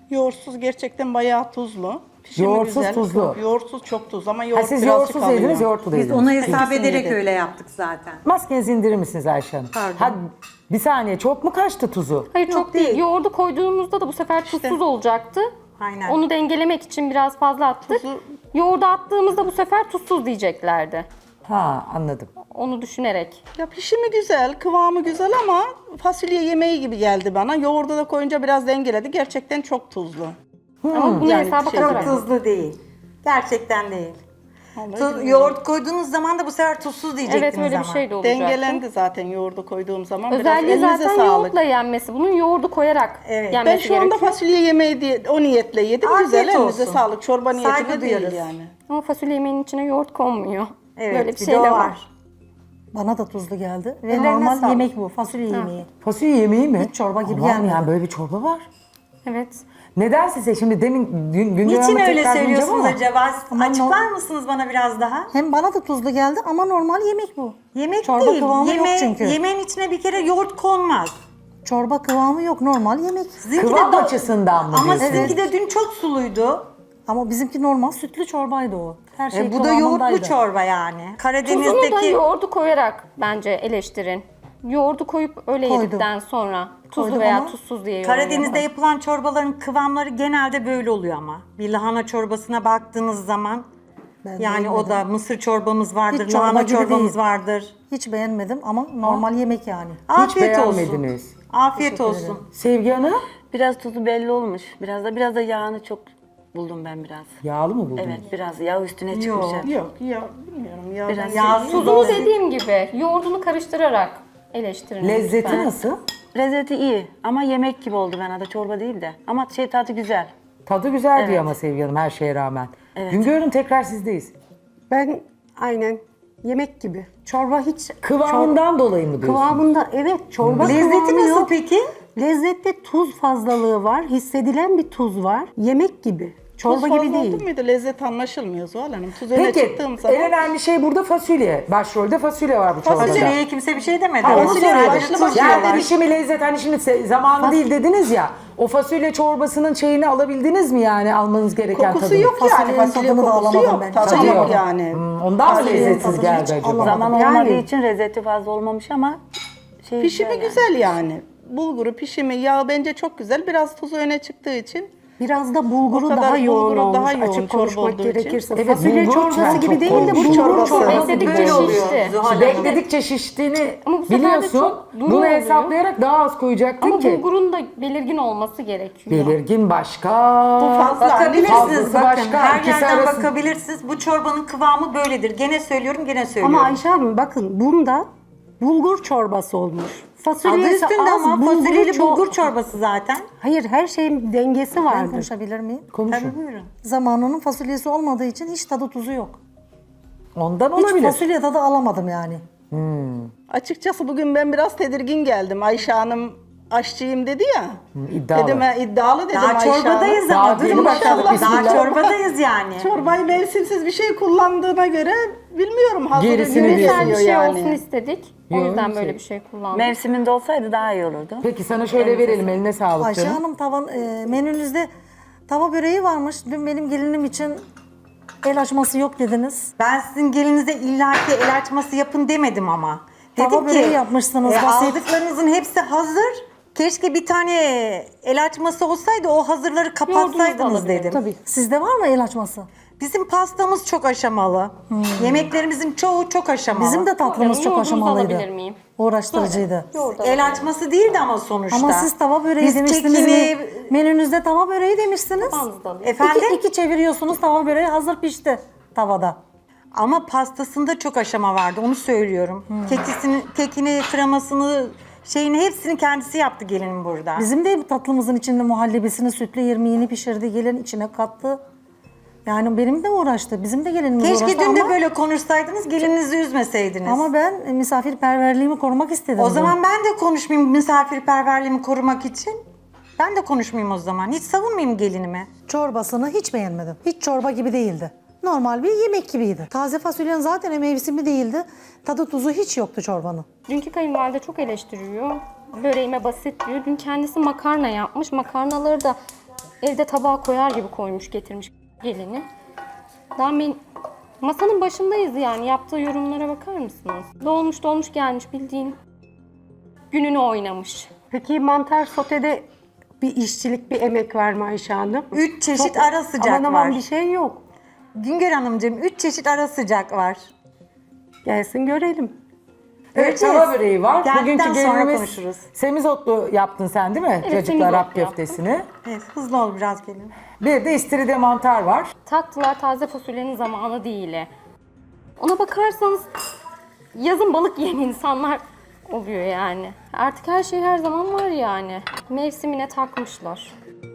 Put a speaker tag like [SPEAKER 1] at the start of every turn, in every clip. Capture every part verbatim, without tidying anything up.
[SPEAKER 1] Yoğurtsuz gerçekten bayağı tuzlu. Pişimi
[SPEAKER 2] Yoğurtsuz
[SPEAKER 1] güzel.
[SPEAKER 2] tuzlu.
[SPEAKER 1] Yoğurtsuz çok tuz ama
[SPEAKER 2] Ha,
[SPEAKER 1] yoğurt
[SPEAKER 2] siz
[SPEAKER 1] birazcık
[SPEAKER 2] yoğurtsuz
[SPEAKER 1] alıyor.
[SPEAKER 2] yediniz, yoğurtlu da
[SPEAKER 3] Biz
[SPEAKER 2] yediniz.
[SPEAKER 3] onu hesap
[SPEAKER 1] İkisini
[SPEAKER 3] ederek
[SPEAKER 1] yedik.
[SPEAKER 3] öyle yaptık zaten.
[SPEAKER 2] Maskenizi indirir misiniz Ayşe Hanım?
[SPEAKER 3] Pardon.
[SPEAKER 2] Ha, bir saniye, çok mu kaçtı tuzu?
[SPEAKER 4] Hayır
[SPEAKER 3] Yok,
[SPEAKER 4] çok değil.
[SPEAKER 3] değil.
[SPEAKER 4] Yoğurdu koyduğumuzda da bu sefer tuzsuz olacaktı.
[SPEAKER 3] Aynen.
[SPEAKER 4] Onu dengelemek için biraz fazla attık.
[SPEAKER 1] Tuzu-
[SPEAKER 4] Yoğurdu attığımızda bu sefer tuzsuz diyeceklerdi.
[SPEAKER 2] Ha, anladım.
[SPEAKER 4] Onu düşünerek.
[SPEAKER 1] Ya pişimi güzel, kıvamı güzel ama fasulye yemeği gibi geldi bana. Yoğurdu da koyunca biraz dengeledi. Gerçekten çok tuzlu.
[SPEAKER 4] Ama bunu
[SPEAKER 1] Yani
[SPEAKER 4] hesaba
[SPEAKER 1] şey-
[SPEAKER 3] Çok
[SPEAKER 4] katarak.
[SPEAKER 3] tuzlu değil. Gerçekten değil.
[SPEAKER 1] Vallahi
[SPEAKER 3] Tu-
[SPEAKER 1] bilmiyorum.
[SPEAKER 3] yoğurt koyduğunuz zaman da bu sefer tuzsuz diyecektiniz
[SPEAKER 4] Evet öyle
[SPEAKER 3] ama.
[SPEAKER 4] bir şey de olacaktı.
[SPEAKER 1] Dengelendi zaten yoğurdu koyduğum zaman.
[SPEAKER 4] Özelliği
[SPEAKER 1] biraz elinize
[SPEAKER 4] zaten
[SPEAKER 1] sağlık.
[SPEAKER 4] yoğurtla yenmesi. Bunun yoğurdu koyarak
[SPEAKER 3] Evet.
[SPEAKER 4] yenmesi
[SPEAKER 1] Ben şu anda
[SPEAKER 4] gerekiyor.
[SPEAKER 1] fasulye yemeği diye o niyetle yedim.
[SPEAKER 3] Afiyet
[SPEAKER 1] Güzel, elinize
[SPEAKER 3] olsun.
[SPEAKER 1] sağlık. Çorba
[SPEAKER 3] Saygı
[SPEAKER 1] niyetine değil
[SPEAKER 3] duyarız.
[SPEAKER 1] yani.
[SPEAKER 4] Ama fasulye yemeğinin içine yoğurt konmuyor.
[SPEAKER 3] Evet,
[SPEAKER 4] Böyle bir
[SPEAKER 3] bir
[SPEAKER 4] şey
[SPEAKER 3] de
[SPEAKER 4] de
[SPEAKER 3] o
[SPEAKER 4] var.
[SPEAKER 3] var.
[SPEAKER 5] Bana da tuzlu geldi. Ve
[SPEAKER 3] Ellerine
[SPEAKER 5] normal
[SPEAKER 3] sağlık.
[SPEAKER 5] yemek bu. Fasulye yemeği.
[SPEAKER 2] Fasulye yemeği mi?
[SPEAKER 5] Hiç çorba gibi
[SPEAKER 2] Aman
[SPEAKER 5] gelmedi.
[SPEAKER 2] yani böyle bir çorba var.
[SPEAKER 4] Evet.
[SPEAKER 2] Neden size şimdi demin gün, Güngör
[SPEAKER 3] Niçin
[SPEAKER 2] Hanım'a
[SPEAKER 3] öyle
[SPEAKER 2] tekrar döneceğim
[SPEAKER 3] söylüyorsunuz
[SPEAKER 2] ama-
[SPEAKER 3] acaba?
[SPEAKER 5] Ama
[SPEAKER 3] Açıklar mısınız bana biraz daha?
[SPEAKER 5] Hem bana da tuzlu geldi ama normal yemek bu.
[SPEAKER 3] Yemek
[SPEAKER 5] Çorba
[SPEAKER 3] değil.
[SPEAKER 5] kıvamı
[SPEAKER 3] Yeme-
[SPEAKER 5] yok çünkü.
[SPEAKER 3] Yemeğin içine bir kere yoğurt konmaz.
[SPEAKER 5] Çorba kıvamı yok. Normal yemek.
[SPEAKER 3] Sizinki
[SPEAKER 2] Kıvam
[SPEAKER 3] de do-
[SPEAKER 2] açısından mı
[SPEAKER 3] Ama
[SPEAKER 2] diyorsunuz?
[SPEAKER 3] sizinki de dün çok suluydu.
[SPEAKER 5] Ama bizimki normal sütlü çorbaydı o. Her şey
[SPEAKER 3] E, bu da yoğurtlu
[SPEAKER 5] kıvamındaydı.
[SPEAKER 3] çorba yani.
[SPEAKER 4] Tuzunu da
[SPEAKER 3] Karadeniz'deki
[SPEAKER 4] yoğurdu koyarak bence eleştirin. Yoğurdu koyup öyle
[SPEAKER 5] Koydum.
[SPEAKER 4] yedikten sonra tuzlu
[SPEAKER 5] Koydum
[SPEAKER 4] veya
[SPEAKER 5] ama
[SPEAKER 4] tuzsuz diye yorum
[SPEAKER 3] Karadeniz'de
[SPEAKER 4] yapın.
[SPEAKER 3] yapılan çorbaların kıvamları genelde böyle oluyor ama. Bir lahana çorbasına baktığınız zaman
[SPEAKER 5] Ben
[SPEAKER 3] yani o
[SPEAKER 5] beğenmedim.
[SPEAKER 3] da mısır çorbamız vardır,
[SPEAKER 5] Hiç çorba
[SPEAKER 3] lahana
[SPEAKER 5] gibi
[SPEAKER 3] çorbamız
[SPEAKER 5] değil.
[SPEAKER 3] vardır.
[SPEAKER 5] Hiç beğenmedim ama normal yemek yani.
[SPEAKER 3] Afiyet olsun.
[SPEAKER 2] beğenmediniz.
[SPEAKER 3] Afiyet olsun.
[SPEAKER 2] Sevgi Hanım,
[SPEAKER 6] Biraz tuzu belli olmuş. Biraz da biraz da yağını çok buldum ben biraz.
[SPEAKER 2] yağlı mı buldunuz?
[SPEAKER 6] Evet, biraz yağ üstüne çıkmış.
[SPEAKER 3] Yok.
[SPEAKER 6] hep.
[SPEAKER 1] Yok ya bilmiyorum ya.
[SPEAKER 6] Biraz
[SPEAKER 1] ben
[SPEAKER 3] yağsız
[SPEAKER 1] seviyorum.
[SPEAKER 4] Tuzunu
[SPEAKER 3] olsun.
[SPEAKER 4] dediğim gibi yoğurdunu karıştırarak eleştirin.
[SPEAKER 2] Lezzeti
[SPEAKER 4] lütfen.
[SPEAKER 2] nasıl?
[SPEAKER 6] Lezzeti iyi ama yemek gibi oldu bana da çorba değil de. Ama şey tadı güzel.
[SPEAKER 2] Tadı güzel diyor
[SPEAKER 6] Evet.
[SPEAKER 2] ama Sevgi Hanım her şeye rağmen.
[SPEAKER 6] Evet.
[SPEAKER 2] Güngör Hanım tekrar sizdeyiz.
[SPEAKER 7] Ben aynen yemek gibi. Çorba hiç
[SPEAKER 2] Kıvamından dolayı mı
[SPEAKER 7] çor-
[SPEAKER 2] diyorsunuz?
[SPEAKER 7] kıvamında evet çorba
[SPEAKER 3] Lezzeti
[SPEAKER 7] kıvamı
[SPEAKER 3] nasıl
[SPEAKER 7] yok.
[SPEAKER 3] peki?
[SPEAKER 7] Lezzette tuz fazlalığı var. Hissedilen bir tuz var. Yemek gibi. Çorba
[SPEAKER 1] Tuz
[SPEAKER 7] gibi
[SPEAKER 1] fazla
[SPEAKER 7] değil.
[SPEAKER 1] oldu muydu? Lezzet anlaşılmıyor Zuhal Hanım. Tuz öne
[SPEAKER 2] Peki,
[SPEAKER 1] çıktığım zaman.
[SPEAKER 2] en önemli şey burada fasulye. Başrolde fasulye var bu çorbada.
[SPEAKER 3] Fasulyeye kimse bir şey demedi.
[SPEAKER 2] Ha,
[SPEAKER 3] Onu
[SPEAKER 2] onu
[SPEAKER 1] Fasulye
[SPEAKER 2] söyledim.
[SPEAKER 1] başlı
[SPEAKER 3] tuz
[SPEAKER 1] başına
[SPEAKER 2] Yani
[SPEAKER 3] diyorlar.
[SPEAKER 2] dişimi lezzet hani şimdi se- zamanı değil dediniz ya. O fasulye çorbasının şeyini alabildiniz mi yani almanız gereken
[SPEAKER 1] Kokusu
[SPEAKER 2] tadını?
[SPEAKER 1] yok yani.
[SPEAKER 5] Fasulyenin
[SPEAKER 1] Fasulye
[SPEAKER 5] tadını da
[SPEAKER 1] kokusu
[SPEAKER 5] alamadım
[SPEAKER 1] yok.
[SPEAKER 5] ben.
[SPEAKER 1] Tadı
[SPEAKER 2] Tadı
[SPEAKER 1] yok
[SPEAKER 2] yok.
[SPEAKER 1] yani.
[SPEAKER 2] Hmm, ondan mı
[SPEAKER 5] Fasulyenin
[SPEAKER 2] lezzetsiz
[SPEAKER 5] tadını
[SPEAKER 2] geldi
[SPEAKER 5] hiç
[SPEAKER 2] acaba?
[SPEAKER 5] alamadım.
[SPEAKER 6] Zaman
[SPEAKER 5] Yani-
[SPEAKER 6] olmadığı için lezzeti fazla olmamış ama şey
[SPEAKER 1] Pişimi
[SPEAKER 6] yani.
[SPEAKER 1] güzel yani. Bulguru, pişimi, yağ bence çok güzel. Biraz tuzu öne çıktığı için.
[SPEAKER 7] Biraz da bulguru
[SPEAKER 1] O kadar
[SPEAKER 7] daha yoğun
[SPEAKER 1] bulguru
[SPEAKER 7] olmuş.
[SPEAKER 1] daha yoğun
[SPEAKER 7] Açık
[SPEAKER 1] çorba
[SPEAKER 7] konuşmak
[SPEAKER 1] olduğu için.
[SPEAKER 7] gerekirse.
[SPEAKER 2] Evet,
[SPEAKER 7] Fasulye
[SPEAKER 2] bulgur
[SPEAKER 7] çorbası
[SPEAKER 2] çok
[SPEAKER 7] gibi değil de
[SPEAKER 2] koymuş.
[SPEAKER 7] bulgur
[SPEAKER 1] Çorbası.
[SPEAKER 7] çorbası.
[SPEAKER 4] Bekledikçe
[SPEAKER 3] Böyle oluyor.
[SPEAKER 4] şişti.
[SPEAKER 3] Zuhal Hanım.
[SPEAKER 2] Bekledikçe şiştiğini
[SPEAKER 4] Ama bu sefer de
[SPEAKER 2] biliyorsun.
[SPEAKER 4] çok duru
[SPEAKER 2] Bunu
[SPEAKER 4] oluyor.
[SPEAKER 2] hesaplayarak daha az koyacaktın
[SPEAKER 4] Ama
[SPEAKER 2] ki.
[SPEAKER 4] bulgurun da belirgin olması gerekiyor.
[SPEAKER 2] Belirgin başka.
[SPEAKER 1] Bu fazla.
[SPEAKER 3] Bakabilirsiniz
[SPEAKER 2] Fazlası
[SPEAKER 3] bakın.
[SPEAKER 2] başka,
[SPEAKER 3] Her
[SPEAKER 2] ikisi
[SPEAKER 3] yerden
[SPEAKER 2] arası-
[SPEAKER 3] bakabilirsiniz. Bu çorbanın kıvamı böyledir. Gene söylüyorum, gene söylüyorum.
[SPEAKER 7] Ama Ayşe Hanım bakın bunda bulgur çorbası olmuş.
[SPEAKER 3] Adı
[SPEAKER 7] Fasulyesi
[SPEAKER 3] üstünde
[SPEAKER 7] az,
[SPEAKER 3] ama
[SPEAKER 7] bulguru
[SPEAKER 3] fasulyeli
[SPEAKER 7] çok.
[SPEAKER 3] bulgur çorbası zaten.
[SPEAKER 7] Hayır her şeyin dengesi
[SPEAKER 5] Ben
[SPEAKER 7] vardır.
[SPEAKER 5] konuşabilir miyim?
[SPEAKER 2] Konuşun.
[SPEAKER 3] Tabii buyurun.
[SPEAKER 5] Zamanının fasulyesi olmadığı için hiç tadı tuzu yok.
[SPEAKER 2] Ondan
[SPEAKER 5] Hiç
[SPEAKER 2] olabilir.
[SPEAKER 5] fasulye tadı alamadım yani.
[SPEAKER 1] Açıkçası bugün ben biraz tedirgin geldim. Ayşe Hanım aşçıyım dedi ya.
[SPEAKER 2] iddialı.
[SPEAKER 1] Dedim "Ha, iddialı dedim
[SPEAKER 3] Daha
[SPEAKER 1] Ayşe Hanım.
[SPEAKER 3] çorbadayız
[SPEAKER 2] Daha
[SPEAKER 3] ama durun
[SPEAKER 2] yeni
[SPEAKER 3] bakalım.
[SPEAKER 2] başladık,
[SPEAKER 3] Daha
[SPEAKER 2] bismillah.
[SPEAKER 3] çorbadayız yani.
[SPEAKER 1] Çorbayı mevsimsiz bir şey kullandığına göre bilmiyorum. Hazır
[SPEAKER 2] Gerisini
[SPEAKER 1] ürün
[SPEAKER 2] diyorsunuz.
[SPEAKER 4] Güzel bir
[SPEAKER 1] geliyor
[SPEAKER 4] şey
[SPEAKER 1] yani.
[SPEAKER 4] olsun istedik. O
[SPEAKER 2] Yok,
[SPEAKER 4] yüzden
[SPEAKER 2] şey-
[SPEAKER 4] böyle bir şey kullandık.
[SPEAKER 6] Mevsiminde olsaydı daha iyi olurdu.
[SPEAKER 2] Peki sana şöyle verelim, eline sağlık
[SPEAKER 5] Ayşe
[SPEAKER 2] canım.
[SPEAKER 5] Hanım tavan e, menünüzde tava böreği varmış. Dün benim gelinim için el açması yok dediniz.
[SPEAKER 3] Ben sizin gelinize illaki el açması yapın demedim ama.
[SPEAKER 5] Tava
[SPEAKER 3] Dedim
[SPEAKER 5] böreği
[SPEAKER 3] ki
[SPEAKER 5] yapmışsınız,
[SPEAKER 3] e,
[SPEAKER 5] basit.
[SPEAKER 3] aldıklarınızın hepsi hazır. Keşke bir tane el açması olsaydı o hazırları kapatsaydınız
[SPEAKER 4] alabilirim.
[SPEAKER 3] dedim.
[SPEAKER 7] Tabii.
[SPEAKER 5] Sizde var mı el açması?
[SPEAKER 3] Bizim pastamız çok aşamalı. Yemeklerimizin çoğu çok aşamalı.
[SPEAKER 5] Bizim de tatlımız
[SPEAKER 4] Yoğurdunuzu
[SPEAKER 5] çok aşamalıydı.
[SPEAKER 4] alabilir miyim?
[SPEAKER 5] Uğraştırıcıydı.
[SPEAKER 3] El açması değildi ama sonuçta.
[SPEAKER 5] Ama siz tava böreği
[SPEAKER 3] Biz
[SPEAKER 5] demiştiniz
[SPEAKER 3] kekini-
[SPEAKER 5] mi? Menünüzde tava böreği demişsiniz.
[SPEAKER 4] Tabağınızı da alayım.
[SPEAKER 3] Efendim?
[SPEAKER 5] İki, iki çeviriyorsunuz, tava böreği hazır pişti tavada.
[SPEAKER 3] Ama pastasında çok aşama vardı onu söylüyorum. Kekisini, kekini, kremasını, şeyini hepsini kendisi yaptı gelinim burada.
[SPEAKER 5] Bizim de tatlımızın içinde muhallebisini, sütlü irmiğini pişirdi, gelin içine kattı. Yani benim de uğraştı, bizim de gelinimiz
[SPEAKER 3] Keşke
[SPEAKER 5] uğraştı
[SPEAKER 3] dün de
[SPEAKER 5] ama,
[SPEAKER 3] böyle konuşsaydınız, gelinizi üzmeseydiniz.
[SPEAKER 5] ama ben e, misafirperverliğimi korumak istedim.
[SPEAKER 3] o
[SPEAKER 5] dün.
[SPEAKER 3] zaman ben de konuşmayayım misafirperverliğimi korumak için. Ben de konuşmayayım o zaman. Hiç savunmayayım gelinimi.
[SPEAKER 5] Çorbasını hiç beğenmedim. Hiç çorba gibi değildi. Normal bir yemek gibiydi. Taze fasulyenin zaten mevsimi değildi. Tadı tuzu hiç yoktu çorbanın.
[SPEAKER 4] Dünkü kayınvalide çok eleştiriyor. Böreğime basit diyor. Dün kendisi makarna yapmış. Makarnaları da Evde tabağa koyar gibi koymuş getirmiş gelini. Daha ben masanın başındayız yani. Yaptığı yorumlara bakar mısınız? Dolmuş dolmuş gelmiş bildiğin. Gününü oynamış.
[SPEAKER 7] Peki mantar sotede bir işçilik, bir emek var mı Ayşe Hanım?
[SPEAKER 3] Üç çeşit
[SPEAKER 7] Çok
[SPEAKER 3] ara sıcak
[SPEAKER 7] aman aman
[SPEAKER 3] var.
[SPEAKER 7] bir şey yok.
[SPEAKER 3] Güngör Hanımcığım üç çeşit ara sıcak var.
[SPEAKER 7] Gelsin görelim.
[SPEAKER 2] Evet,
[SPEAKER 3] Göreceğiz.
[SPEAKER 2] tava böreği var.
[SPEAKER 3] Geldikten
[SPEAKER 2] Bugünkü
[SPEAKER 3] sonra
[SPEAKER 2] gelinimiz
[SPEAKER 3] konuşuruz.
[SPEAKER 2] semizotlu yaptın sen değil mi?
[SPEAKER 4] Evet,
[SPEAKER 2] Cacıklı
[SPEAKER 4] semizotlu
[SPEAKER 2] Arap
[SPEAKER 4] yaptım.
[SPEAKER 2] köftesini.
[SPEAKER 3] Evet, hızlı ol biraz gelin.
[SPEAKER 2] Bir de istiridye mantar var.
[SPEAKER 4] Taktılar taze fasulyenin zamanı değil. Ona bakarsanız yazın balık yiyen insanlar oluyor yani. Artık her şey her zaman var yani. Mevsimine takmışlar.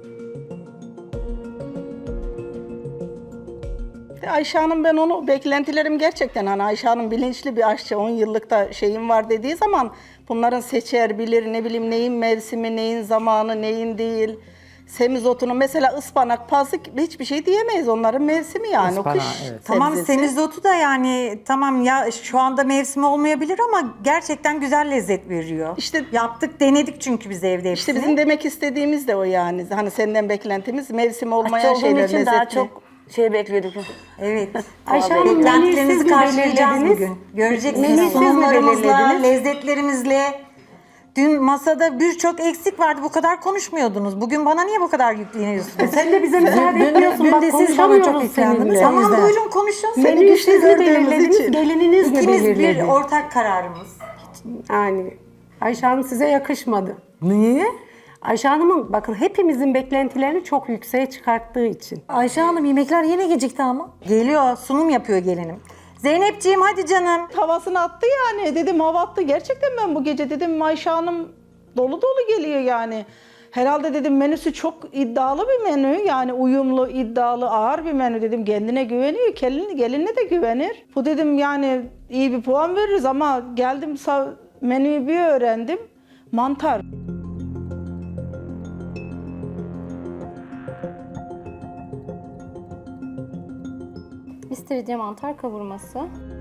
[SPEAKER 1] Ayşe Hanım, ben onu beklentilerim gerçekten, hani Ayşe Hanım bilinçli bir aşçı, on yıllık da şeyim var dediği zaman bunların seçer, bilir, ne bileyim neyin mevsimi, neyin zamanı, neyin değil. Semizotunu mesela ıspanak, pazık hiçbir şey diyemeyiz, onların mevsimi yani.
[SPEAKER 2] Ispanağı,
[SPEAKER 1] o kış
[SPEAKER 2] evet.
[SPEAKER 3] Tamam
[SPEAKER 1] sebzesi.
[SPEAKER 3] semizotu da yani tamam ya şu anda mevsimi olmayabilir ama gerçekten güzel lezzet veriyor.
[SPEAKER 1] İşte-
[SPEAKER 3] yaptık denedik çünkü biz evde hepsini.
[SPEAKER 1] İşte bizim demek istediğimiz de o yani. Hani senden beklentimiz mevsimi
[SPEAKER 6] Aç
[SPEAKER 1] olmayan
[SPEAKER 6] olduğum
[SPEAKER 1] şeyler,
[SPEAKER 6] için
[SPEAKER 1] lezzetli.
[SPEAKER 6] daha çok şey bekliyorduk.
[SPEAKER 3] Evet.
[SPEAKER 7] Ayşe Hanım, menüyü
[SPEAKER 3] Beklentilerinizi
[SPEAKER 7] siz mi
[SPEAKER 3] karşılayacağız
[SPEAKER 7] belirlediniz?
[SPEAKER 3] bugün. Göreceksiniz
[SPEAKER 7] Menüyü siz mi
[SPEAKER 3] sunumlarımızla,
[SPEAKER 7] belirlediniz?
[SPEAKER 3] lezzetlerimizle. Dün masada birçok eksik vardı. Bu kadar konuşmuyordunuz. Bugün bana niye bu kadar yükleniyorsunuz?
[SPEAKER 7] Sen de bize müsaade
[SPEAKER 5] Dün-
[SPEAKER 7] etmiyorsun.
[SPEAKER 5] dün
[SPEAKER 7] Bak
[SPEAKER 5] de siz bana çok
[SPEAKER 7] konuşamıyoruz
[SPEAKER 5] yüklendiniz.
[SPEAKER 7] seninle.
[SPEAKER 5] Tamam.
[SPEAKER 3] Tamam
[SPEAKER 5] yüzden.
[SPEAKER 3] buyurun konuşun.
[SPEAKER 7] Menüyü
[SPEAKER 1] güçlü
[SPEAKER 7] siz mi
[SPEAKER 1] gördüğümüz
[SPEAKER 7] belirlediniz?
[SPEAKER 1] için.
[SPEAKER 7] Gelininiz mi
[SPEAKER 3] İkimiz
[SPEAKER 7] belirledi?
[SPEAKER 3] bir ortak kararımız.
[SPEAKER 7] Yani Ayşe Hanım size yakışmadı.
[SPEAKER 2] Niye?
[SPEAKER 7] Ayşe Hanım'ın bakın hepimizin beklentilerini çok yükseğe çıkarttığı için.
[SPEAKER 5] Ayşe Hanım, yemekler yine gecikti ama.
[SPEAKER 3] Geliyor, sunum yapıyor gelinim. Zeynepciğim hadi canım.
[SPEAKER 1] Havasını attı yani. Dedim hava attı. Gerçekten ben bu gece dedim Ayşe Hanım dolu dolu geliyor yani. Herhalde dedim menüsü çok iddialı bir menü. Yani uyumlu, iddialı, ağır bir menü dedim. Kendine güveniyor. Gelin, gelinine de güvenir. Bu dedim yani iyi bir puan veririz ama geldim sa- menüyü bir öğrendim. Mantar.
[SPEAKER 4] İstiridye mantar kavurması.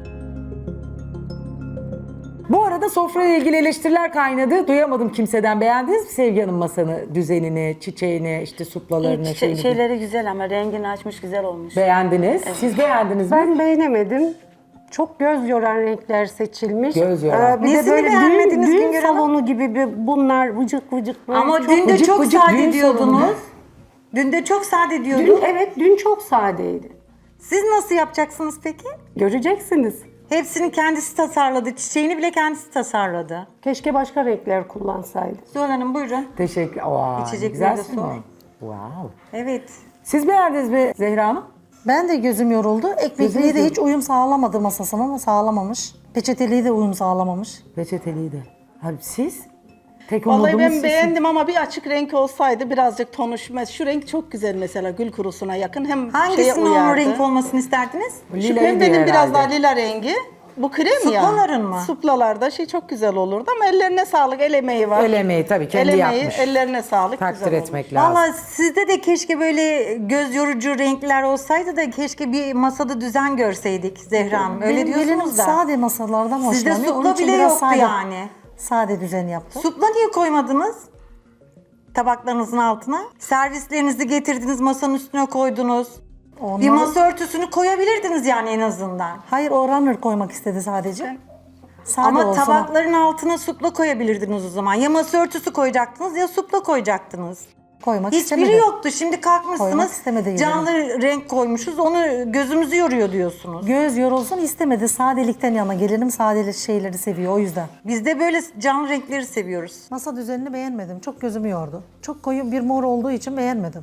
[SPEAKER 2] Bu arada sofrayla ilgili eleştiriler kaynadı. Duyamadım kimseden. Beğendiniz mi Sevgi Hanım masanı, düzenini, çiçeğini, işte suplalarını,
[SPEAKER 6] Şey-
[SPEAKER 2] şeyini?
[SPEAKER 6] şeyleri güzel ama rengini açmış güzel olmuş.
[SPEAKER 2] Beğendiniz. Siz beğendiniz mi?
[SPEAKER 7] Ben beğenemedim. Çok göz yoran renkler seçilmiş.
[SPEAKER 2] Göz yoran.
[SPEAKER 7] Ee, bir
[SPEAKER 3] Nesini
[SPEAKER 7] de böyle düğün,
[SPEAKER 3] beğenmediniz
[SPEAKER 7] düğün
[SPEAKER 3] Güngör Hanım?
[SPEAKER 7] salonu gibi bir bunlar vıcık vıcık böyle
[SPEAKER 3] Ama
[SPEAKER 7] çok...
[SPEAKER 3] dün de
[SPEAKER 2] vıcık
[SPEAKER 3] çok
[SPEAKER 2] vıcık
[SPEAKER 3] sade
[SPEAKER 2] düğün
[SPEAKER 3] diyordunuz.
[SPEAKER 2] salonu.
[SPEAKER 3] Dün de çok sade
[SPEAKER 7] Dün,
[SPEAKER 3] diyordun.
[SPEAKER 7] evet dün çok sadeydi.
[SPEAKER 3] Siz nasıl yapacaksınız peki?
[SPEAKER 7] Göreceksiniz.
[SPEAKER 3] Hepsini kendisi tasarladı. Çiçeğini bile kendisi tasarladı.
[SPEAKER 7] Keşke başka renkler kullansaydı.
[SPEAKER 3] Zuhal Hanım buyurun.
[SPEAKER 2] Teşekkür. Aa,
[SPEAKER 3] İçecekleri
[SPEAKER 2] güzel
[SPEAKER 3] de
[SPEAKER 2] sunum.
[SPEAKER 3] sor.
[SPEAKER 2] Wow.
[SPEAKER 3] Evet.
[SPEAKER 2] Siz beğendiniz mi Zehra Hanım?
[SPEAKER 5] Ben de gözüm yoruldu. Ekmekliği
[SPEAKER 2] Gözünüz
[SPEAKER 5] de hiç uyum sağlamadı masasına ama sağlamamış. Peçeteliği de uyum sağlamamış.
[SPEAKER 2] Reçeteliği de. Abi siz? Tek
[SPEAKER 1] Vallahi
[SPEAKER 2] umudumuz
[SPEAKER 1] ben
[SPEAKER 2] sizsiniz.
[SPEAKER 1] beğendim ama bir açık renk olsaydı birazcık tonuşmaz. Şu renk çok güzel mesela, gül kurusuna yakın. Hem şeye
[SPEAKER 3] Hangisinin
[SPEAKER 1] uyardı.
[SPEAKER 3] onun renk olmasını isterdiniz?
[SPEAKER 1] Şu
[SPEAKER 2] Lilayı
[SPEAKER 1] pembenin
[SPEAKER 2] diyor
[SPEAKER 1] biraz
[SPEAKER 2] herhalde.
[SPEAKER 1] daha lila rengi. Bu krem ya.
[SPEAKER 3] Suplaların mı?
[SPEAKER 1] Suplalarda şey çok güzel olurdu ama ellerine sağlık. El emeği var.
[SPEAKER 2] El emeği tabii, kendi
[SPEAKER 1] El emeği,
[SPEAKER 2] yapmış.
[SPEAKER 1] ellerine sağlık.
[SPEAKER 2] Takdir
[SPEAKER 1] güzel
[SPEAKER 2] etmek lazım.
[SPEAKER 3] Valla sizde de keşke böyle göz yorucu renkler olsaydı da keşke bir masada düzen görseydik Zehra Hanım. Öyle
[SPEAKER 5] Benim gelinim
[SPEAKER 3] diyorsunuz da.
[SPEAKER 5] sade masalardan
[SPEAKER 3] Sizde
[SPEAKER 5] hoşlanıyor. Onun
[SPEAKER 3] supla
[SPEAKER 5] için
[SPEAKER 3] bile
[SPEAKER 5] biraz
[SPEAKER 3] yoktu
[SPEAKER 5] sade,
[SPEAKER 3] yani.
[SPEAKER 5] Sade düzen yaptı.
[SPEAKER 3] Supla niye koymadınız? Tabaklarınızın altına. Servislerinizi getirdiniz, masanın üstüne koydunuz. Bir
[SPEAKER 5] Onları-
[SPEAKER 3] masa örtüsünü koyabilirdiniz yani en azından.
[SPEAKER 5] Hayır, o runner koymak istedi sadece. Sade
[SPEAKER 3] Ama
[SPEAKER 5] olsun.
[SPEAKER 3] tabakların altına supla koyabilirdiniz o zaman. Ya masa örtüsü koyacaktınız ya supla koyacaktınız.
[SPEAKER 5] koymak
[SPEAKER 3] Hiçbiri
[SPEAKER 5] istemedi.
[SPEAKER 3] yoktu. Şimdi
[SPEAKER 5] Koymak
[SPEAKER 3] kalkmışsınız
[SPEAKER 5] istemedi
[SPEAKER 3] canlı renk koymuşuz. Onu gözümüzü yoruyor diyorsunuz.
[SPEAKER 5] Göz yorulsun istemedi. Sadelikten yana, gelinim sadeli şeyleri seviyor o yüzden.
[SPEAKER 3] Biz de böyle canlı renkleri seviyoruz.
[SPEAKER 5] Masa düzenini beğenmedim. Çok gözümü yordu. Çok koyu bir mor olduğu için beğenmedim.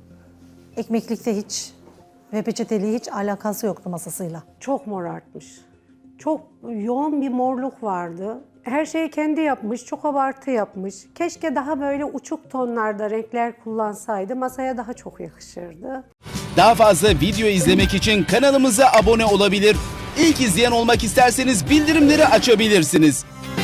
[SPEAKER 5] Ekmeklikte hiç ve peçeteliği hiç alakası yoktu masasıyla.
[SPEAKER 7] Çok morartmış. Çok yoğun bir morluk vardı. Her şeyi kendi yapmış, çok abartı yapmış. Keşke daha böyle uçuk tonlarda renkler kullansaydı masaya daha çok yakışırdı.
[SPEAKER 8] Daha fazla video izlemek için kanalımıza abone olabilir. İlk izleyen olmak isterseniz bildirimleri açabilirsiniz.